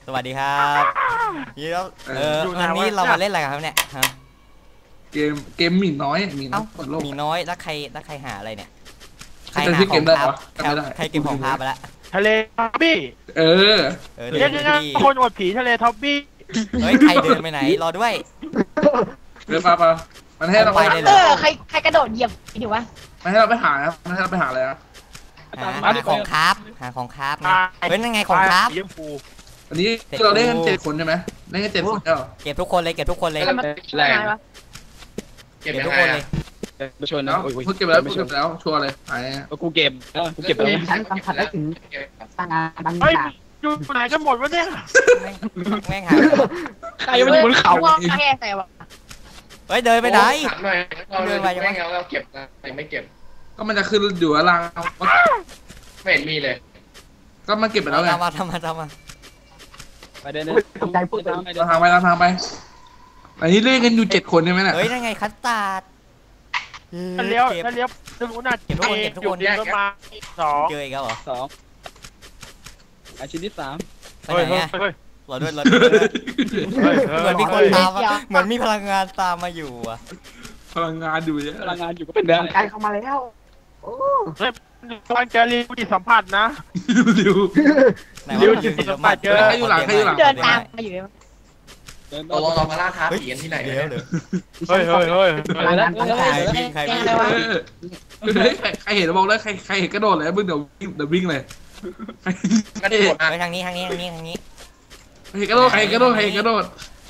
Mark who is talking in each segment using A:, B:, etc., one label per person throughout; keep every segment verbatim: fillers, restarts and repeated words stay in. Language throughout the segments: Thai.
A: วัสดีครับนี่แล้วเออวันนี้เรามาเล่นอะไรกันครับเนี่ยฮะ
B: เกมเกมหมีน้อยหมีน้อยเปิดโลก
A: หมีน้อยแล้วใครแล้วใครหาอะไรเนี่ย
B: ใครหาของภาพ
A: ใครเก็บของภาพไปละ
C: ทะเลท็อปปี้
B: เออ
A: เออ
C: เดี๋ยวนะคนอวดผีทะเลท็อปปี้
A: เฮ้ยใครเดินไปไหนรอด้วย
B: เดินไปไปมันให้เรา
A: ไป
D: เออใครใครกระโดดเหยียบดิวะ
B: มันให้เราไปหาครับมันให้เราไปหาอะไรครับ
A: หาของคราฟหาของคราฟนะเฮ้ยนั่นไงของคราฟ
B: อันนี้เราเล่นกันเจ็ดคนใช่ไหมเล่นกันเจ็ดคนเออ
A: เก็บทุกคนเลยเก็บทุกคนเลย
D: แรง
A: เก็บทุกคนเลย
B: มาชวนนะกูเก็บแล้วกูเก็บแล้วชัวร์เลยหาย
E: กูเก็บกูเก็บแล้ว
D: ฉันสัมผัสได้ถึงสร้างงานบาง
C: อย่างอยู่ไหนกันหมดวะเนี่ย
A: แม่งหาย
E: ใครมันอยู่บนเขา
D: แค่แต่ว่า
A: เฮ้ยเดินไปไหน
F: เดินไปยังไม่เราเก็บนะไม่เก็บ
B: ก็มันจะขึ้นอยู่อะไร
F: ไม่เห็นมีเลย
B: ก็มาเก็บไปแล้วไง
A: ทำมาทำมาทำมา
E: ไปเดิน
D: ตกใจพูด
B: เราทางไปเราทางไปอันนี้เล่นกันอยู่เจ็ดคนใช่ไหมเนี่ย
A: เฮ้ยนั่นไงคัสตาร์ด
C: ถ้าเลี้ยวถ้าเลี้ยวจะรู้น่า
A: เก็บทุกคนเก็บทุกคน
C: เดินมาสอง
A: เจออีกแล้วเหรอ
E: สองอาชิ้นที่สาม
A: ไปไหนอ่ะรอด้วยรอด้วยเหมือนมีคนตามเหมือนมีพลังงานตามมาอยู่อ่ะ
B: พลังงานอยู่เยอะ
E: พลังงานอยู่ก็เป็นได้
D: ใจเข้ามาแล้วโอ้
C: กำลังจะรีวิวจิตสัมผัสนะ
B: ริว
C: ริวจิตสัมผัสเจอ
B: ใครอยู่หลังใครอยู่หลัง
D: เดินตามมาอยู่
F: เราลองเรามาล่าท้าผีกันที่ไหน
A: เดี๋ยวเดี๋ยว
C: เฮ้ยเฮ้ยเฮ้ย
A: ใครวิ่งใครวิ่ง
B: ใครเห็นบอกเลยใครใครเห็นกระโดดเลยมึงเดี๋ยวเดี๋ยววิ่งเลย
F: กระโดด
A: ไปทางนี้ทางนี้ทางนี้ทางนี้
B: ใครกระโดดใครกระโดดใครกระโดด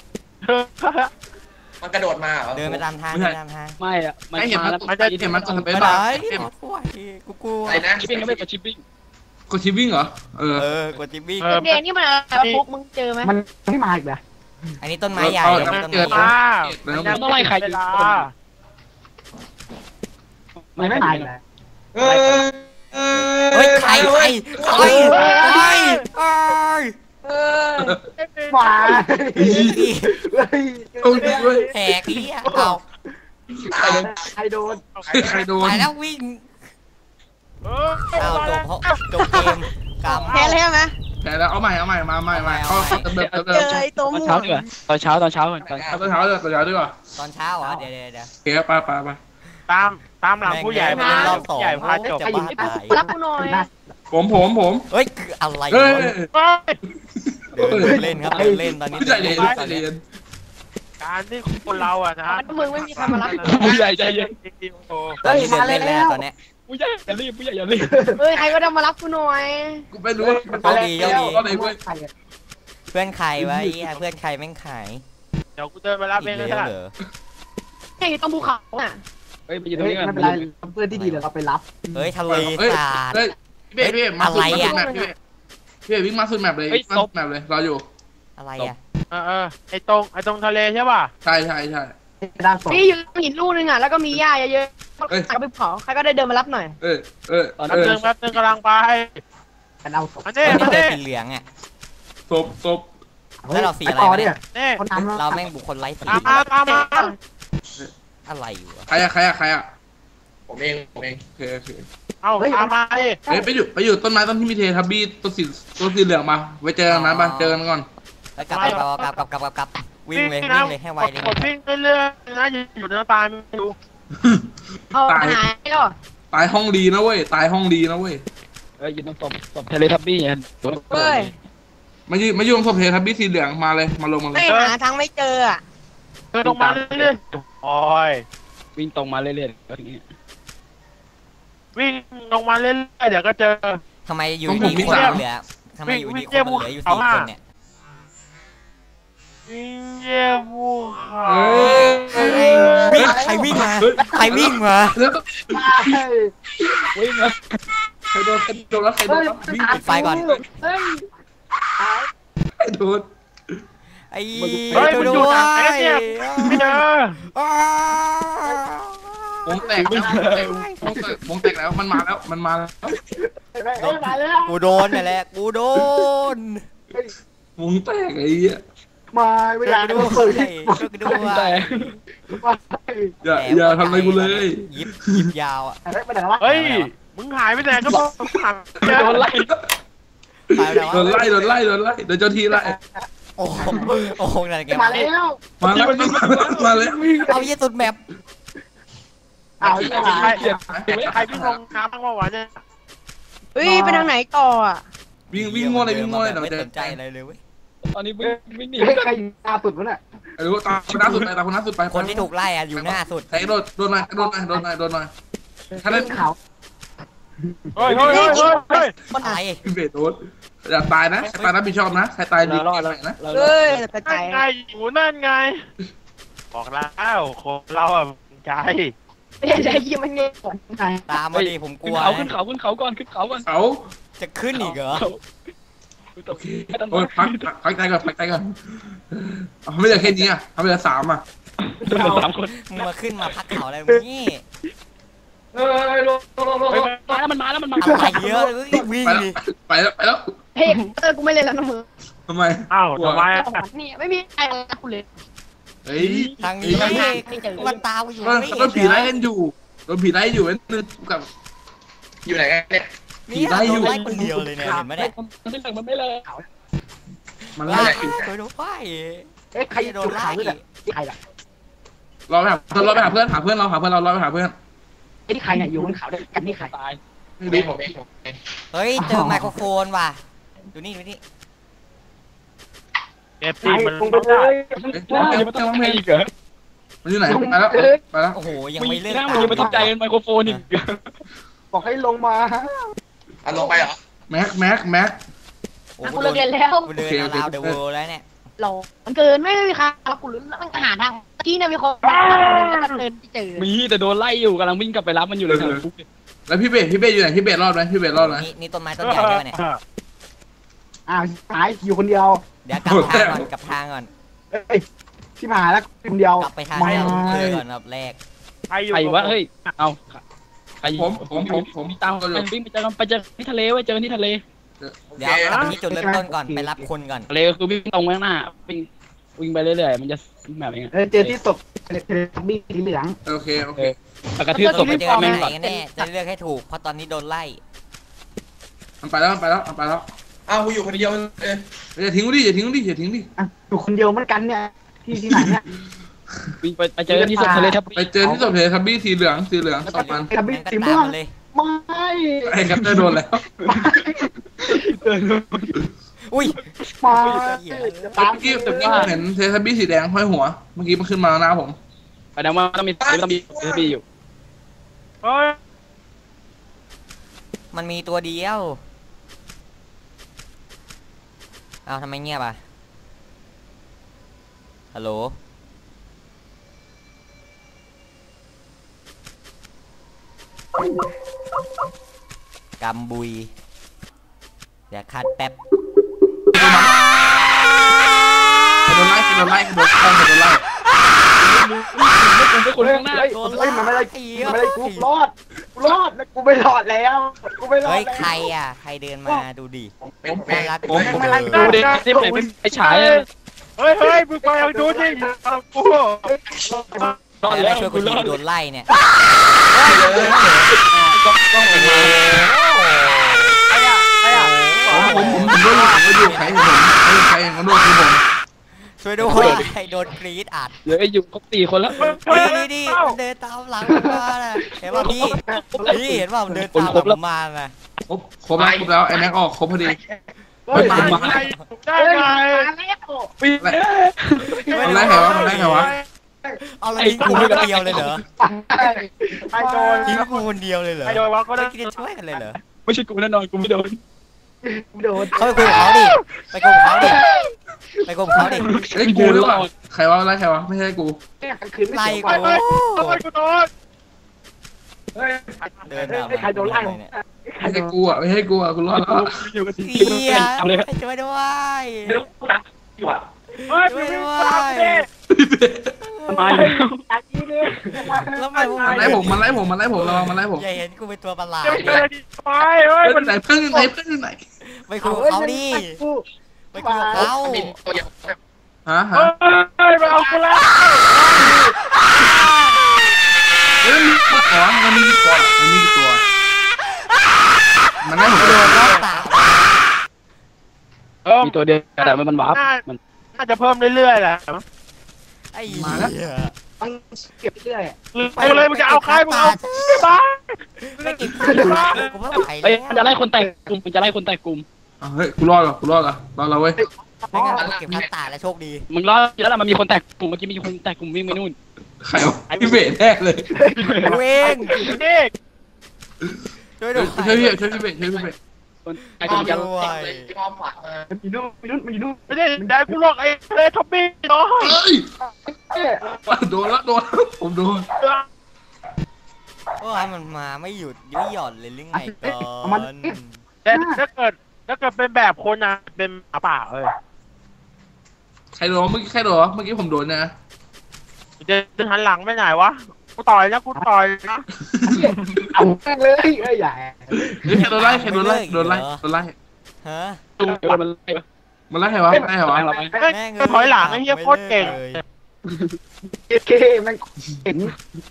F: มันกระโดดมาเหรอ
A: เดินไปตามทางเดินตามทาง
E: ไม่อะ
B: มันเห็นมันมันจะเห็นมันจะ
A: ไปไหนกูกลัว
F: อะไรนะ
E: ชิปปิ้งก็ไม่กดชิปปิ้ง
B: กดชิปปิ้งเหรอเออ
A: เออกดชิปปิ้ง
D: เดนนี่มันอะไรปุ๊กมึงเจอไหมมันไม่มาอีกเหรอ
A: อันนี้ต้นไม้ใหญ่ต้นไม้
E: ต้องไล่ใครอยู่
D: ไม่ไม่มาอีกเลย
A: เฮ้ยใครใครใครใคร
D: มา
B: โอ้ย
A: แหกเลี้ยเอา
D: ใครโดน
B: ใครโดน
A: ไปแล้ววิ่งเอาจบจบเกมกำ
D: แพ้เลยไหม
B: แพ้แล้วเอาใหม่เอาใหม่มาใหม่ใหม่เขาเติมเติมเติม
D: เจอตัวมู
E: ตอนเช้าตอนเช้าตอนเช้า
B: ตอนเช้าเลยตอนเช้าด้วยว่ะ
A: ตอนเช้าเหรอเดี๋ยวเดี๋ยวเดี๋ยว
B: เก็บไปไปไป
C: ตามตามหลังผู้ใหญ่ไปรอบสองใหญ่พาจบ
A: จะบ้าตาย
D: รับกูหน่อย
B: ผมผมผม
A: เฮ้ยคืออะไรเดินเล่นครับเดินเล่นตอนนี้
B: ใจเย็นใจเย็น
C: การที่คนเราอ่ะนะ
D: มึงไม่มีใครมารับ
E: ผู้ใหญ่ใจเย็น
A: ตอนนี้เดินเล่นแล้วตอนนี้
E: ผู้ใหญ่อย่ารีบผู้ใหญ่อย่ารีบ
D: เฮ้ยใครก็ได้มารับกูหน่อย
B: กูไม่รู้มันเขา
A: ดีเขาดีเพื่อนใครวะไอ้เพื่อนใครแม่งขาย
C: เดี๋ยวกูเดินมารับเองเลยเหรอ
D: ไอ้ต้องภูเขาอ่ะ
E: เฮ้ยไปยืนตรงนี้กันไม่เป็นไร
D: เพื่อนที่ดีเดี๋ยวเราไปรับ
A: เฮ้ยทะเลสาบ
B: เฮ้ยพี่พี่มาสุดแมปพี่พี่วิ่งมาสุดแมปเลยมาสุดแมปเลยรออยู่
A: อะไรอ่ะ
C: เออเออไอตรงไอตรงทะเลใช่ป่ะ
B: ใช่ใช่ใช่
D: พี่อยู่หินลูกนึงอ่ะแล้วก็มีหญ้าเยอะๆใครก็ไปเผาใครก็ได้เดินมารับหน่อย
B: เออเออ
C: ตอนนั้นแป๊บนึงกำลังไป
D: กันเอาศพ
A: อันนี้อันนี้สีเหลืองอ่ะ
B: ศพศพ
A: แล้วเราสีอะไรเนี่ยเราแม่งบุคคลไร้สี
C: ตามมาตามมา
A: อะไรอยู่
B: ใครอะใครอะใครอะ
F: ผมเองผมเอง
B: โอเคโอเค
C: เอาตามมาดิ
B: เฮ้ยไปอยู่ไปอยู่ต้นไม้ต้นที่มีเททับบี้ต้นสีต้นสีเหลืองมาไว้เจอกันนะมาเจอกันก่อน
A: กลับกลับกลับกลับกลับกลับวิ่งเลยวิ่งเลยให้ไวเลย
C: วิ่งเรื่อยๆนะอยู่ในตายไม่รู้
B: ตายตายห้องดีนะเว้ยตายห้องดีนะเว้ย
E: เอ้ยยืนตรงศพศพเทเลทับบี้เนี่ย
D: เฮ้ย
B: มายืนมายืนศพเททับบี้สีเหลืองมาเลยมาลงมาเลย
D: ไม่หาทางไม่เจออ่ะ
C: เดินลงมาเรื่อยๆโอ้ย
E: วิ่งตรงมาเรื่อยๆก็อย่างนี้
C: วิ่งลงมาเรื่อยๆเดี๋ยวก็เจอ
A: ทำไมอยู่ดีคนเหลือทำไมอยู่ดีคนเหลืออยู่สี่คนเนี่ย
C: วิ่งเยี่ยมวูค่ะ
A: ใครวิ่งมาใครวิ่งมา
E: วิ่งมา
B: ใครโดนใครโดนแล้วใครโดน
A: วิ่งปิดไฟก่อน
B: ใครโดน
A: ไอ้
C: ดูด้วยไม่เจอ
B: วงแตกแล้ววงแตกวงแตกแล้วมันมาแล้วมันมา
A: แล้วกูโดนนี่แหละกูโดน
B: วงแตกไอ้เหี้ย
D: มาไม่ได้
A: ด้วยช่วยกันด้วย
B: อย่าอย่าทำอะไรกูเลย
A: ยิบยิบยาวอ่ะ
C: เฮ้ยมึงหายไปไหนก็บอกหาย
E: โดนไล่
A: ตายแล้ว
B: โดนไล่โดนไล่โดนไล่โดนเจ้าที่ไล่
A: โอ้โหโอ้โหอะไรแก
D: มาแล้ว
B: มาแล้วมาแล้ว
A: เอาเยี่ยสุดแมป
D: เอาอีก
C: ใคร
D: แล้ว
C: ใครวิ่งลงน้ำบ้างวะวะเนี่ย
D: เฮ้ยไปทางไหนต่ออ่ะ
B: วิ่งวิ่งง่วเลยวิ่งง่วเลยเดี๋ยว
A: ไม่
B: จะ
A: สนใจอะไรเลยเว้ย
E: ตอนนี้วิ่งวิ่งหนี
G: เฮ้ยใครตาสุดวะเนี่ย
B: ไอ้รู้ตามคนน้าสุดไปตามคนน้าสุดไป
A: คนที่ถูกไล่อะอยู่หน้าสุด
B: ไอ้โดนโดนหน่อยโดนหน่อยโดนหน่อยโดนหน่อยถ้าเล่น
G: เขา
C: เฮ้ยเฮ้ยเฮ้ยเฮ้ย
A: ตาย
B: พี่เบสโดนอย่าตายนะใครตายรับผิดชอบนะใครตายดี
E: เรารอดแล้ว
B: นะ
E: เรา
D: เฮ้ยกระจา
C: นั่
D: ย
C: นไงอยู่นั่นไง บอกแล้วคนเราอ่ะใจ
D: ไม่ใช่ยี่มันเงี้ยก่อนไง
A: ตามมาดิผมกลั
E: ขึ้น
A: ว
E: เขาขึ้นเขาขึ้นเขาก่อนขึ้นเขาก่อน
B: เขา
A: จะขึ้นอีกเหรอ
B: โอเคโอ้ยพักพักใจก่อนพักใจก่อนเอาไม่เหลือแค่นี้อ่ะทำไปเหลือสามอ่ะ
E: โดนสามคน
A: มึงมาขึ้นมาพักเขาอะไรนี่
G: เฮ้ยลงลงลงลง
E: เฮ้ยมาแล้วมันมาแล้วมันมา
A: อะไรเยอะเลยวิ่ง
B: ไปแล้ว
A: ดิ
B: ไปแล้วไปแล้ว
D: เฮ้ยเออกูไม่เล่นแล้วนะมึง
B: ทำไม
C: อ้าวทำไมอ่ะ
D: นี่ไม่มีใครเลยกูเลย
B: เฮ้ย
A: ทางนี้
D: ไม่เจอ
A: มันตามอยู่
B: โดน
A: ไม่
B: โด
A: เห็
B: น
A: น
B: ผีไล่กันอยู่โดนผีไล่อยู่นั่นนึกกับ
F: อยู่ไหนกันเนี่ย
A: นี่โดนไล่คนเดียวเลยเนี่ยเห็นไหมเนี่ย
E: มันไม่เลิกมันไม่เลิก
B: มัน
A: ไล่
B: ไล่
A: ช่วยด้วย
G: เอ๊ะใคร
A: โด
G: โด
A: น
G: น
A: ไล่
G: เขาด้วยเนี่ยใครล่ะ
B: รอไปหาเราไปหาเพื่อนหาเพื่อนเราหาเพื่อนเราเราไปหาเพื่อน
G: ไอ้ที่ใครเนี่ยอยู่บนเขาด้วยกันนี่ใคร
E: ตาย
B: ไม่
F: ผมเอ
B: รู้
F: งผมเองผมเอง
A: เฮ้ยเจอไมโครโฟนว่ะดูนี่ดูนี่
C: เอฟ
G: ใค
C: ซี
G: ร
C: มัน
G: ลงไปเลย
E: ว้าวยังไม่ต้องเพลงอีกเหรอ
B: มันอยู่ไหนไปแล้วไปแล้ว
A: โอ้โหยัง
E: มึง
A: ไม่เลิก
E: นั่งมึงยังไม่ต้องใจไมโครโฟนอีก
G: บอกให้ลงมา
F: อ่ะลงไปเหรอ
B: แม็กแม็กแม็ก
A: โอ้
D: กูเลิกเรียนแล้ว
A: กูเดินราวเดอะเวิลด์แล้วเนี่ย
D: เรามันเกินไม่มีใครแล้วกูรู้ต้องหาทางที่เนี่ยมีคนเดินเจอ
E: มีแต่โดนไล่อยู่กำลังวิ่งกลับไปรับมันอยู่เลยทางฟุก
B: แล้วพี่เบสพี่เบสอยู่ไหนพี่เบสรอดไหมพี่เบสรอดไหม
A: นี่นี่ต้นไม้ต้นใหญ่ด้วยเนี่ย
G: อ้าวหายอยู่คนเดียว
A: เดี๋ยวกลับทางก่อนกลับทางก่อน
G: เอ้ยที่มาแล้วคนเดียว
A: กลับไปทาง
G: ไม่
A: ที่เราเคยก่อนรอบแรก
C: ใครอยู่
E: ใครวะเฮ้ยเอาใคร
B: ผมผมผมผม
E: ตามไปวิ่งไปเจอกันไปเจอที่ทะเลไว้เจอที่ทะเล
F: โอ
A: เดี๋
F: เค
A: ยวกลับไปที่จุดเริ่มต้นก่อนไปรับคนก่อน
E: ทะเลก็คือวิ่งตรงไปข้างหน้าวิ่งวิ่งไปเรื่อยๆมันจะแบบนี้
G: เออเจอที่ศพเทเลทับบี้สีเหลือง
B: โอเคโอเค
E: กระทืบศพ
A: ไป
E: ไป
A: เจ
E: เจ
A: อ
E: อ
A: ที่
E: แม่ง
A: ไหน
E: ก่อน
A: กันแน่จะเลือกให้ถูกเพราะตอนนี้โดนไล่
B: มันไปแล้วมันไปแล้วมันไปแล้ว
F: อ้าวกูอยู่คนเดียวเออ
B: อย่าทิ้งดิอย่าทิ้งดิอย่าทิ้งดิ
G: อ่ะอยู่คนเดียวเหมือนกันเนี่ยที่ที่ไหนเนี่ย
E: วิ่งไปไปเจอที่ศพทะเลทับ
B: ไปเจอที่ศพเททับบี้สีเหลืองสีเหลืองสองมัน
G: ทับบี้
A: งั้นก็
G: สี
A: ตา
G: ม่
A: ม
G: วง
A: มาเลย
G: ไม่
B: ไอ้แคปเตอร์โดนแล้ว
A: อุ้ย
G: ไม่
B: ตามกี้แต่กี้ผมเห็นเททับบี้สีแดงห้อยหัวเมื่อกี้มันขึ้นมาหน้าผม
E: แสดงว่าต้องมีต้องมีต้องมีอยู่
C: เฮ้ย
A: มันมีตัวเดียวเอาทำไมเงียบอ่ะฮัลโหลกำบุยเดี๋ยวคัดแป๊บ
B: โดนไล่โดนไล่โดนไล่โดนไล่
E: ไม่คนข้างหน้า
G: โดนไล่มันไม่ได้มันไม่ได้กูรอดกูรอดแล้วกูไม่รอดแล้วกูไม่รอด
A: เฮ้ย
G: แล้ว
A: ใครอ่ะใครเดินมาดูดิ
F: ผมเองผมเอง
A: รัก
B: ผม
G: ไม่ไล่
E: ดูดิที่ไหนเป็นไอ้ฉาย
C: เฮ้ยเฮ้ยมึงไปเอาดูดิอยู่ตามกู
E: รอด
A: แต่
E: แล้
A: ไม่
E: ว
A: ช่วย
E: คุ
A: คุณ ณ
E: รอด
A: โดนไล่เนี่ย
C: ใครอ่ะใครอ่ะ
B: ผมผมผมผมก็อยู่ผมก็อยู่ใครผมใครใครก็โดนคือผม
A: ช่วยด้วยโดนกรีดอัด
E: เดี๋ยวไอ้อยู่ครบสี่คนแล้ว
A: นี่นี่มันเดินตามหลังผมมาน่ะเห็นป่ะพี่พี่เห็นป่ะมันเดินตามหลังผมมาน่ะ
B: ครบครบแล้วครบแล้วไอ้แม็กออกครบพอดี
C: เฮ้ยได้ไงได้ไง
E: ปีน
B: มันไล่ใครวะมันไล่ใครวะ
A: เอาแล้วทิ้งกูคนเดียวเลยเหรอ
C: ใครโดน
A: ทิ้งกูคนเดียวเลยเหรอ
C: ใครโดนวะก็
A: ไม่
C: ได้
A: คิดจะช่วยกันเลยเหรอ
E: ไม่ใช่กูแน่นอนกูไม่โดน
G: โดน
A: เขาไปคุยกับเขาดิไปคุยกับเขาดิไปคุยกับเขาดิ
B: ไอ้กูหรือเปล่าใครวะไล่ใครวะไม่ใช่กู
G: คืนไม่
A: ไล่
G: เสีย
A: กู
C: เฮ้ยเฮ้ยกูโดน
G: เฮ้ย
A: เดินตาม
G: ใครโดนไล่
A: เนี่ย
G: ใคร
B: ไม่
G: โด
B: ใช่
G: น
B: กูอ่ะไม่ใช่กูอ่ะกูรอดแล้ว
E: อยู่กันสี่
A: เฮีย
E: เอาเลย
A: ช่วยด้วย
C: เฮ้ยมึงตามดิ
E: มาแล้ว
G: จากนี้เลย
A: แล้วมัน
B: มันไล่ผมมันไล่ผมมันไล่ผมระวังมันไล่ผม
A: อย่าเห็นกูเป็นตัวประหลาด
C: จะไปเจอดีไปเฮ้ย
B: เพื่
C: มั
B: อน นไหนเพื่อนอยู่ไหนเพื่อนอยู่ไหน
A: ไปคุยกับเขาดิไปคุยกับเขา
F: บินตัวเดียว
B: ฮะฮะ
C: เฮ้ยมาเอากูแล้ว
B: เฮ้ยมีกี่ตัวมันมีกี่ตัวมันมีกี่ตัวมันไล่ผม
A: โดนรอบตา
C: ออ
E: มีตัวเดียวแต่มันวาร์ป
C: น่า
E: มัน
C: น่าจะเพิ่มเรื่อยๆแหละ
A: ไอ้เหี้ย
G: ต้องเก็บเรื่อย
C: ไปเลยมึงจะเอาใครมึงเอาบ้า
A: ไม่กินข้าวกูไม่ไหว
E: เอ้ย
A: แล้ว
E: มันจะไล่คนแตกกลุ่มมันจะไล่คนแตกกลุ่ม
B: อ่ะเฮ้ยกูรอดเหรอกูรอดเหรอรอดแล้วเว้ย
A: ไม่งั้นกูเก็บข้าวตาแล้วโชคดี
E: มึงรอดแล้วล่ะมันมีคนแตกกลุ่มเมื่อกี้มีคนแตกกลุ่มวิ่งไปนู่น
B: ใครวะพี่เบสแน่เลย
A: กูเอง
C: เด็ก
A: ช่วยด้วย
B: ช่วยพี่ช่วยพี่เบสช่วยพี่เบส
E: คนแตก
F: อ้
E: ก
F: อ
E: ลุ่
F: ม
E: ม
F: ยั
E: จะ
F: งเลยอ้อมฝักมา
G: ๆมันอยู่นู่นมันอยู่นู่นมันอยู่นู่น
C: ไม่ได้ได้กูหรอกไอ้เลยท็อปปี้น้อย
B: เฮ้ย
G: เอ้ย
B: โดนละโดนละผมโดน
A: ว่ามันมาไม่หยุดไม่หย่อนเลยหรือไงก่อน
C: แต่ถ้าเกิดถ้าเกิดเป็นแบบคนนะเป็นหมาป่าเอ้ย
B: ใครโดนเมื่อกี้ใครโดนวะเมื่อกี้ผมโดนนะ
C: จะจะหันหลังไปไหนวะกูต่อยนะกูต่อยนะ
G: เอาแม่งเลยเอ้ยอย่า
B: เฮ้ยใครโดนไล่ใครโดนไล่โดนไล่โดนไล่
A: ฮะ
E: ตุ้มเดินมันไล่
B: มันไล่ใครวะไล่ใครวะ
E: แรงเราไป
C: เฮ้ยถอยหลังไอ้เหี้ยโคตรเก่ง
G: เอเคแม่งเห็น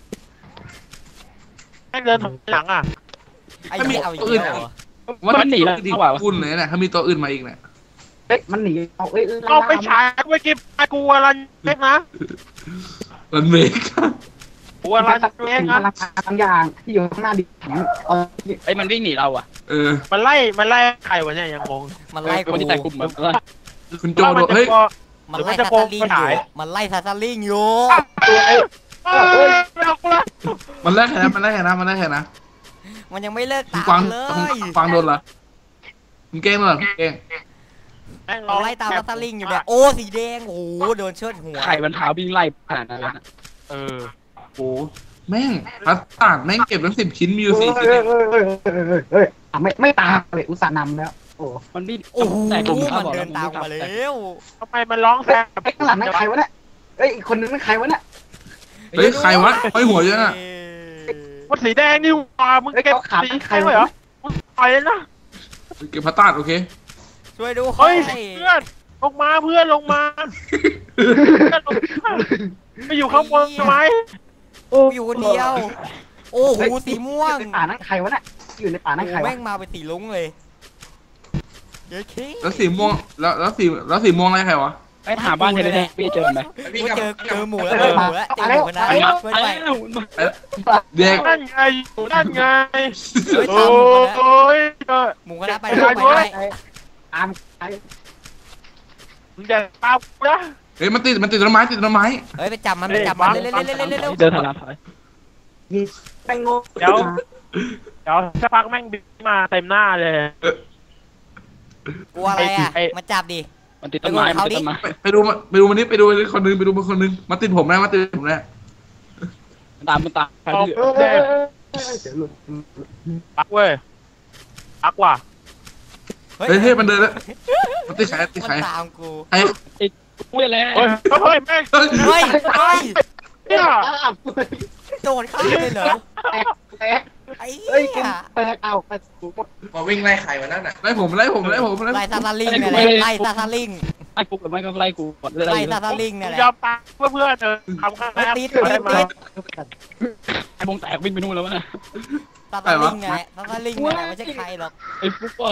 C: ให้เดินถอยหลังอ่ะ
A: ไอ้เหี้ยเอาอีกแล้วเหรอ
B: ว่าดีคุณเลยนะถ้ามีตัวอื่นมาอีกเนี่ย
G: เฮ้ยมันหนีเอาเอ้ย
C: เอาไปฉายไปกินกูอะไรเล็กนะ
B: มันเมก
C: กูอะไร
G: มัน
C: เล็ก
G: พ
C: นะ
G: ลังงานบางอย่างที่อยู่ข้างหน้าดิเอา
E: ไอ้มันวิ่งหนีเราอ่ะ
B: เออ
C: มันไล่มันไล่ใครวะเนี่ยยังงง
A: มันไล่
E: คน
A: กู
E: ที่แตกกลุ่มมัน
B: คุณโจโดนเฮ้ย
A: มันไล่ซาซาลิงอยู่มันไล่ซาซาลิงอยู่
G: ตัวไอ้
C: เอ้ยไม่เอากูละ
B: มันไล่ใครนะมันไล่ใครนะมันไล่ใครนะ
A: มันยังไม่เลิก
B: คุณ
A: ตาม
B: ฟัง
A: เล
B: คุณ
A: ย
B: ฟังโดนเหรอคุณเก้งเหรอคุณเก้ง
A: มันไล่ตามซาซาลิงอยู่เนี่ยโอ้สีแดงโอ้โหโดนเชิดหัว
E: ไข่มันเท้าวิ่งไล่ขนาดนั้น
C: เออ
B: โอ้แม่งพัสตาร์ดแม่งเก็บทั้งสิบชิ้นมีอยู่
G: เฮ้
B: สี่
G: ย
B: ชิ้น
G: เฮ้
B: เอย ง
G: เฮ้ยเฮ้ยเฮ้ยเฮ้ยไม่ไม่ตามเลยอุตส่าห์นำแล้วโอ้
E: มันวิ่ง
A: โอ้โห
E: แตกกลุ่ม
A: มันเดินตามมาแล้ว
C: ทำไมมันร้องแซ่บ
G: ไอ้ข้างหลังนั่นใครวะเนี่ยเอ้ยอีกคนนึงนั่นใครวะเนี่ย
B: เฮ้ยใครวะห้อยหัวเยอะน่ะ
C: มันสีแดงนี่หว่ามึง
G: เอ้ย
C: เก็บ
G: เขาขาด
C: สี
G: ใคร
C: แดงเล
G: วะ
C: ยเหรอมึงต่อยเลยนะ
B: เก็บพัสตาร์ดโอเค
A: ช่วยดู
C: เฮ้ยเพื่อนลงมาเพื่อนลงมาเพื่อนลงมาไปอยู่ข้างบนทำไม
A: อยู่คนเดียว โอ้โหสีม่วง
G: ในป่านั่นใครวะเนี่ยอยู่ในป่านั่นใคร
A: แม่
G: วะ
A: งมาเป็นสีลุ้งเลยเดี๋ยวคิ
B: แล้วสีม่วงแล้วแล้วสีแล้วสีม่วงอะไรใครวะ
E: ไอ้หาบ้านเทเลแทพี่เจอไหม
A: กูเจอเจอหมูแล้วเจอหมูแล้วเจอหมูคนนั้นช่วยด้วย
B: เด็ก
C: นั่นไงอยู่นั่นไง
A: ช่วย
C: โอ้
A: ตามหมูคนนั้น
C: ยเออ
A: หมูคนนั้นไปด้วยไปด้วย
G: ตามใคร
C: มึงอย่าตามกูนะ
B: เฮ้ยมันติดมันติดต้นไม้ติดต้นไม้
A: เฮ้ยไปจับมันไปจับมันเร็วเร็วเร็วเร็วเร็วเร็ว
E: เดินถอยหลังถอย
G: ยิงแป้งโง่
C: เดี๋ยวเดี๋ยวสักพักแม่งบินมาเต็มหน้าเลย
A: กลัวอะไรอ่ะมาจับดิ
E: มันติดต้นไม้มันติดต้นไม้
B: ไปไปดูมาไปดูมันนี่ไปดูคนนึงไปดูมันคนนึงมาติดผมนะมาติดผมนะ
E: ตามมันตามใคร
C: เอา
E: ที่
G: เออเออเออเออเดี๋ยวหลุด
C: ปักเว้ยปักว่ะ
B: เฮ้ยเฮ้ยมันเดินแล้วมันติดใครติด
A: มัน
B: ใคร
A: ตามกู
B: ใคร
E: พูดแล้ว
C: เฮ้ยเฮ้ยแม่ง
B: เฮ้ย
A: เฮ้ยเฮ้ย
C: เนี่ย
G: อ้าว
A: โดนฆ่าเลยเหรอ
G: แตกแตก
A: ไอ้
G: เฮ้ย
A: เหี้ย
G: แตกเอาไปสูงหมด
F: มาวิ่งไล่ใครวะนั่นน่ะ
B: ไล่ผมไล่ผมไล่ผมไล่
A: ไล่ซาซาลิงเนี่ยแหละไล่ซาซาลิง
E: ไล่กูกับไม่ก็ไล่กูก่อน
A: ไล่ซาซาลิงเนี่ยแหละ
C: ยอมตายเพื่อเพื่อนเออทำข้างหน้า
A: ติด
C: เพื่อน
A: ติด
C: มา
A: ติด
E: ไอ้วงแตกวิ่งไปนู่นแล้วนะ
A: ซาซาลิงเนี่ยแหละซาซาลิงเนี่ยแหละไม่ใช่ใครหรอก
E: ไอ้ฟุ๊กก็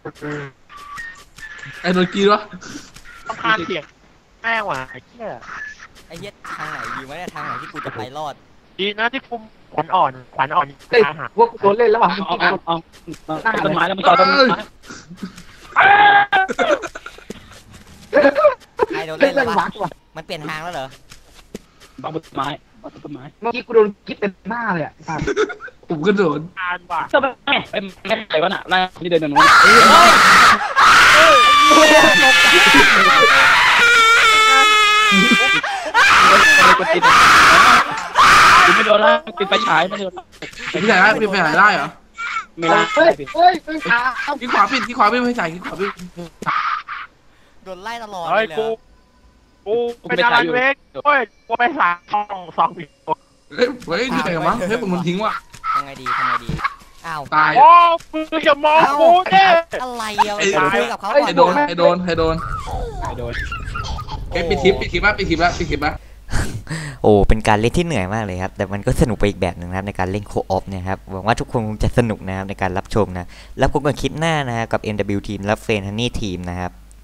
B: ไอ้โดนกีวะ
C: ต้องคานเสียงแม่งว่ะไอ้เหี้ย
A: ไอ้เหี้ยทางไหนดีวะเนี่ยทางไหนที่กูจะไปรอด
C: ดีนะที่คุมขวัญอ่อนขวัญอ่อน
G: เฮ้ย
C: อาหาร
G: พวกกูโดนเล่นแล้วว่ะ
E: เอาเอาเอาเอาต้นไม้แล้วมันต่อต้นไม้
A: ใครโดน
G: เล่
A: เล่
G: น
A: น
G: เล่
A: แล้ว
G: น
A: วะ
G: วักว่ะ
A: มันเปลี่ยนทางแล้วเหรอ
E: บังต้นไม้บังต้นไม้
G: เมื่อกี้กูโดนกิ๊บเต็มหน้าเลยอ่ะ
B: ผมก็โดน
C: ทานว่ะ
E: ก็ไม่ไอ้แม่ใครวะน่ะไล่ที่เดินนู้น
A: เฮ้ย
E: กดติดไม่โดนแล้วปิดไฟฉายไม่โดน
B: พี่ใหญ่ได้พี่ไปไหนได้เหรอ
E: ไม่ได้
G: เฮ้ยเฮ้ยเฮ้ยขาเอา
B: ที่ขวาปิดที่ขวาปิดไม่ใส่ที่ขวาปิด
A: โดนไล่ตลอดเล
C: เฮ้ย
A: ยเหร
C: กู
A: อ
C: กูเป็นอะไรเล็กเฮ้ยกูไปสามสองสองอีก
B: เฮ้ยเฮ้ยที่ไหนวะเฮ้ยผมมันทิ้งว่ะ
A: ทำไงดีทำไงดีอ้าว
B: ตาย
C: โอ้มึงอย่ามองกูเด้
A: อะไรอ่ะ
B: ไอ้
A: คุยกับเขาก่อน
B: ไอ้โดนไอ้โดนไอ้โดน
E: ไม่โดน
B: เอ้ปิดคลิปปิดคลิปละปิดคลิปละปิดคลิปละ
A: โอ้เป็นการเล่นที่เหนื่อยมากเลยครับแต่มันก็สนุกไปอีกแบบหนึ่งนะครับในการเล่นโคออฟเนี่ยครับหวังว่าทุกคนคงจะสนุกนะครับในการรับชมนะแล้วพบกันคลิปหน้านะครับกับ เอ็น ดับเบิลยู ทีมและเฟรนฮันนี่ทีมนะครับ